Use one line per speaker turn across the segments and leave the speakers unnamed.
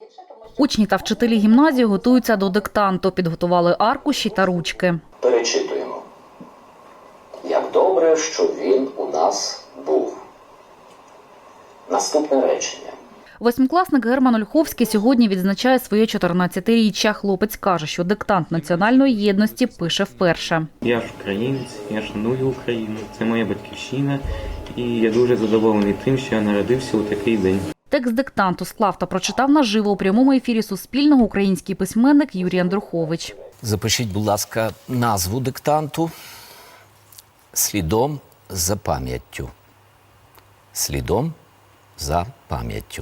Учні та вчителі гімназії готуються до диктанту, підготували аркуші та ручки.
Перечитуємо. Як добре, що він у нас був. Наступне речення.
Восьмикласник Герман Ольховський сьогодні відзначає своє 14-річчя. Хлопець каже, що диктант національної єдності пише вперше.
Я ж українець, я шаную Україну, це моя батьківщина, і я дуже задоволений тим, що я народився у такий день.
Текст диктанту склав та прочитав наживо у прямому ефірі Суспільного український письменник Юрій Андрухович.
Запишіть, будь ласка, назву диктанту «Слідом за пам'яттю». «Слідом за пам'яттю».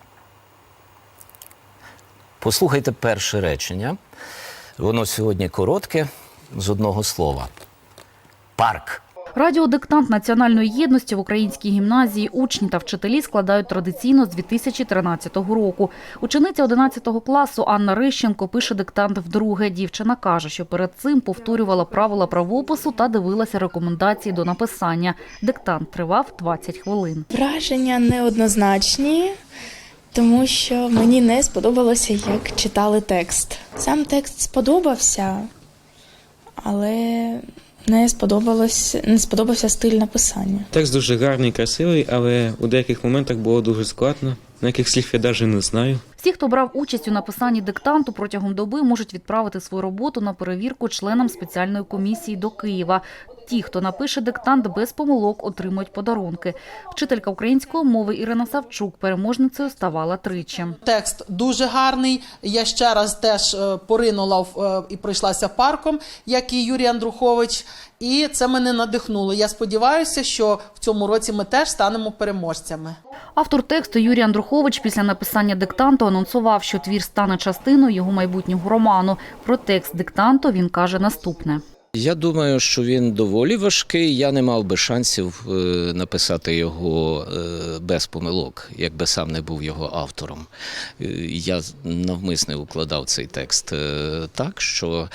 Послухайте перше речення. Воно сьогодні коротке, з одного слова. Парк.
Радіодиктант національної єдності в українській гімназії учні та вчителі складають традиційно з 2013 року. Учениця 11 класу Анна Рищенко пише диктант вдруге. Дівчина каже, що перед цим повторювала правила правопису та дивилася рекомендації до написання. Диктант тривав 20 хвилин.
Враження неоднозначні, тому що мені не сподобалося, як читали текст. Сам текст сподобався, але не сподобався стиль написання.
Текст дуже гарний, красивий, але у деяких моментах було дуже складно. На яких слів я навіть не знаю.
Всі, хто брав участь у написанні диктанту, протягом доби можуть відправити свою роботу на перевірку членам спеціальної комісії до Києва. Ті, хто напише диктант без помилок, отримують подарунки. Вчителька української мови Ірина Савчук переможницею ставала тричі.
Текст дуже гарний. Я ще раз теж поринула і пройшлася парком, як і Юрій Андрухович. І це мене надихнуло. Я сподіваюся, що в цьому році ми теж станемо переможцями.
Автор тексту Юрій Андрухович після написання диктанту анонсував, що твір стане частиною його майбутнього роману. Про текст диктанту він каже наступне.
Я думаю, що він доволі важкий. Я не мав би шансів написати його без помилок, якби сам не був його автором. Я навмисне укладав цей текст так, що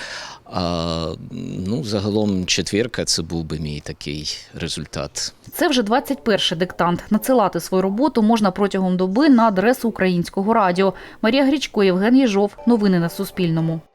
загалом четвірка – це був би мій такий результат.
Це вже 21-й диктант. Надсилати свою роботу можна протягом доби на адресу Українського радіо. Марія Грічко, Євген Єжов. Новини на Суспільному.